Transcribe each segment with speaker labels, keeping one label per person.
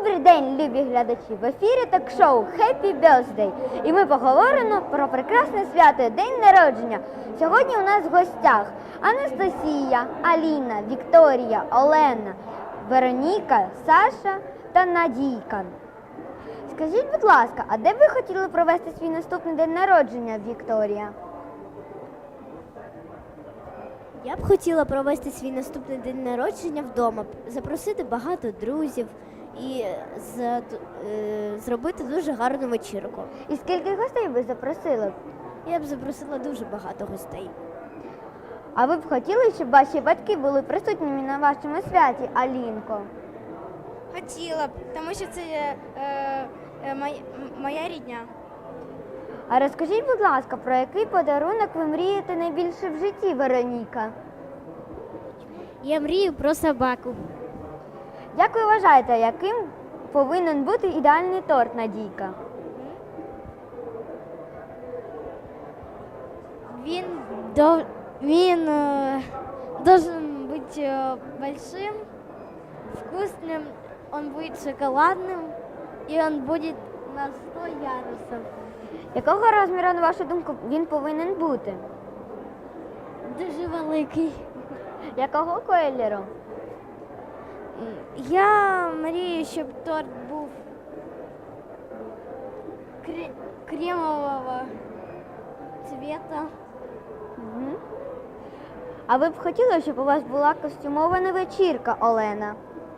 Speaker 1: Добрий день, любі глядачі! В ефірі ток-шоу Happy Birthday. І ми поговоримо про прекрасне свято День народження. Сьогодні у нас в гостях Анастасія, Аліна, Вікторія, Олена, Вероніка, Саша та Надійка. Скажіть, будь ласка, а де б ви хотіли провести свій наступний день народження, Вікторія?
Speaker 2: Я б хотіла провести свій наступний день народження вдома, запросити багато друзів і зробити дуже гарну вечірку.
Speaker 1: І скільки гостей ви запросили?
Speaker 2: Я б запросила дуже багато гостей.
Speaker 1: А ви б хотіли, щоб ваші батьки були присутніми на вашому святі, Алінко?
Speaker 3: Хотіла б, тому що це моя рідня.
Speaker 1: А розкажіть, будь ласка, про який подарунок ви мрієте найбільше в житті, Вероніка?
Speaker 2: Я мрію про собаку.
Speaker 1: Як ви вважаєте, яким повинен бути ідеальний торт, Надійка?
Speaker 2: Він должен бути большим, вкусным, он будет шоколадным и он будет на 100 ярусов.
Speaker 1: Якого розміру, на вашу думку, він повинен бути?
Speaker 2: Дуже великий.
Speaker 1: Якого кольору?
Speaker 2: Я мрію, щоб торт був кремового цвета.
Speaker 1: Угу. А ви б хотіли, щоб у вас була костюмована вечірка, Олена?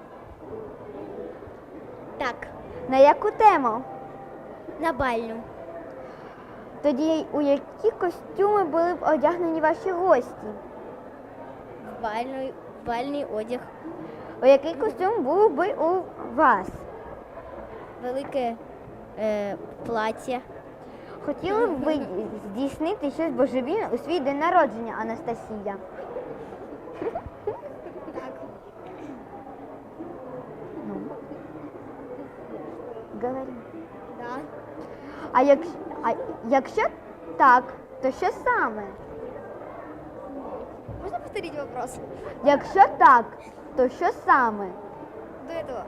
Speaker 2: Так,
Speaker 1: На яку тему?
Speaker 2: на бальну.
Speaker 1: Тоді у які костюми були б одягнені ваші гості?
Speaker 2: Бальний одяг.
Speaker 1: У який костюм був би у вас?
Speaker 2: Велике плаття.
Speaker 1: Хотіли б ви здійснити щось божевільне у свій день народження, Анастасія?
Speaker 2: Так.
Speaker 1: Ну, говори.
Speaker 2: Да.
Speaker 1: А якщо так, то що саме?
Speaker 3: Можна повторити вопрос?
Speaker 1: Якщо так, то що саме?
Speaker 3: До этого.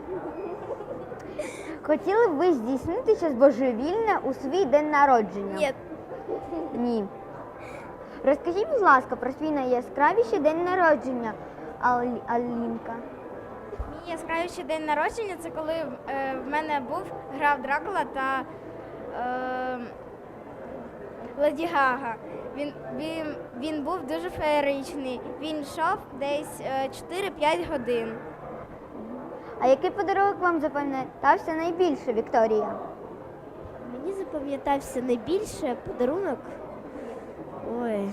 Speaker 1: Хотіли б ви здійснити щось божевільне у свій день народження?
Speaker 3: Ні.
Speaker 1: Ні. Розкажіть, будь ласка, про свій найяскравіший день народження, Алінка.
Speaker 3: Мій яскравіший день народження це коли в мене грав Дракула та Леді Гага. Він був дуже феєричний. Він йшов десь 4-5 годин.
Speaker 1: А який подарунок вам запам'ятався найбільше, Вікторія?
Speaker 2: Мені запам'ятався найбільше подарунок. Ой.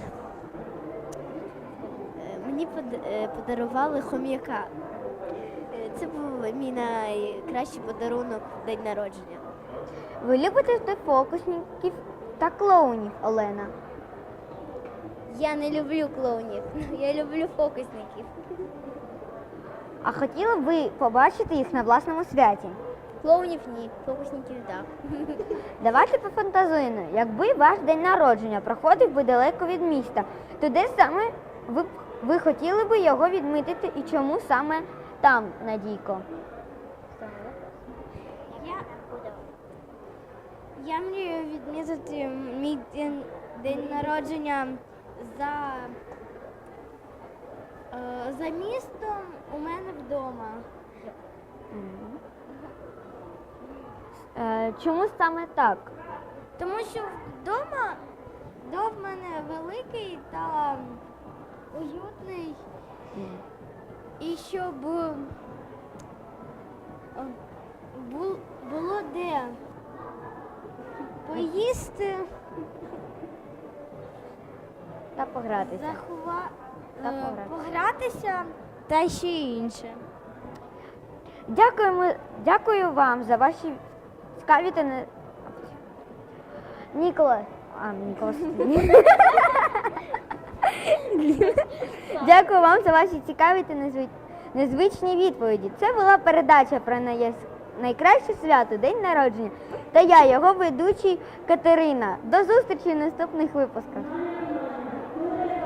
Speaker 2: Мені подарували хом'яка. Це був мій найкращий подарунок в день народження.
Speaker 1: Ви любите фокусників та клоунів, Олена?
Speaker 2: Я не люблю клоунів, я люблю фокусників.
Speaker 1: А хотіли б ви побачити їх на власному святі?
Speaker 2: Клоунів ні, фокусників так.
Speaker 1: Давайте пофантазуємо, якби ваш день народження проходив би далеко від міста, то де саме ви хотіли би його відмітити і чому саме там, Надійко?
Speaker 3: Я мрію відмітити мій день народження за містом у мене вдома.
Speaker 1: Чому саме так?
Speaker 3: Тому що вдома дом в мене великий та уютний. І щоб було де поїсти,
Speaker 1: Та погратися.
Speaker 3: погратися та ще інше.
Speaker 1: Дякую вам за ваші цікаві та Ніколас. Дякую вам за ваші цікаві та незвичні відповіді. Це була передача про найкраще свято, день народження. Та я, його ведучий Катерина. До зустрічі в наступних випусках.